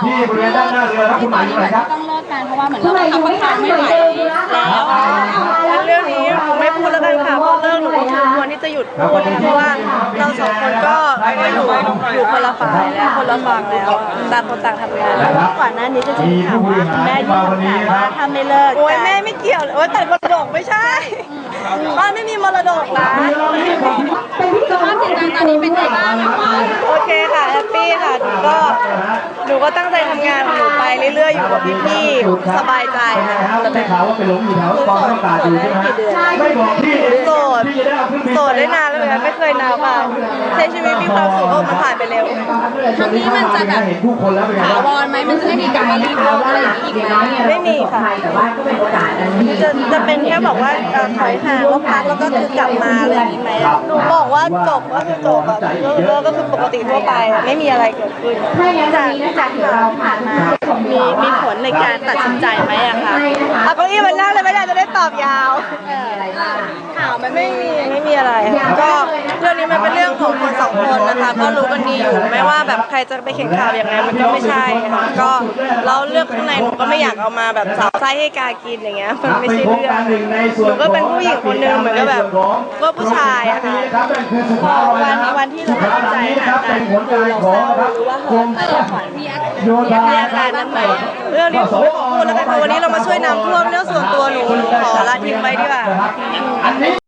ที่บริเวณด้านหน้าเรือครับคุณหมายอยู่ไหนครับต้องเลิกกันเพราะว่าเหมือนเราทำประกันไม่ไหวแล้วเรื่องนี้ไม่พูดแล้วกันค่ะเพราะเรื่องหนูก็คือควรที่จะหยุดพูดเพราะว่าเราสองคนก็อยู่คนละฝ่ายแล้วคนละฝั่งแล้วต่างคนต่างทำงานก่อนหน้านี้จะมีข่าวว่าแม่ยื่นคำขาดว่าถ้าไม่เลิกโอ้ยแม่ไม่เกี่ยวเลยโอ้ยแต่มรดกไม่ใช่บ้านไม่มีมรดกนะสภาพจิตใจตอนนี้เป็นไงบ้างคะโอเคค่ะแฮปปี้ค่ะหนูก็ตั้งใจทำงานของหนูไปเรื่อยๆอยู่กับพี่ๆสบายใจค่ะได้ข่าวว่าไปหลงอยู่แถวกองน้ำตาอยู่ใช่ไหมไม่บอกพี่โสดได้นานแล้วเหมือนกันไม่เคยนานค่ะใช้ชีวิตมีความสุขมันผ่านไปเร็วครั้งนี้มันจะแบบถาวรไหมมันจะไม่มีการมารีโพสอะไรอย่างนี้อีกไหมไม่มีค่ะจะเป็นแค่บอกว่าถอยห่างแล้วพักแล้วก็คือกลับมาอะไรอย่างนี้ไหมหนูบอกว่าจบก็คือจบก็คือปกติทั่วไปไม่มีอะไรเกิดขึ้นจากที่เราผ่านมามีผลในการตัดสินใจไหมอะคะเอาเก้าอี้มันนั่งเลยไม่ได้จะได้ตอบยาวข่าวมันไม่มีอะไรก็เรื่องนี้มันเป็นเรื่องของคนสองคนนะคะก็รู้กันดีอยู่ไม่ว่าแบบใครจะไปเขียนข่าวอย่างไรมันก็ไม่ใช่ค่ะก็เราเลือกข้างในหนูก็ไม่อยากเอามาแบบสาวไส้ให้กากินอย่างเงี้ยมันไม่ใช่เรื่องหนูก็เป็นผู้หญิงคนนึงเหมือนกับแบบก็ผู้ชายอะค่ะพอวันที่เราตัดใจห่างกันเราเศร้าหรือว่าเหินแต่ละฝันมีอาการนั้นไหมเรื่องนี้ผมไม่ขอพูดแล้วกันวันนี้เรามาช่วยน้ำท่วมเรื่องส่วนตัวหนูขอละทิ้งไว้ดีกว่า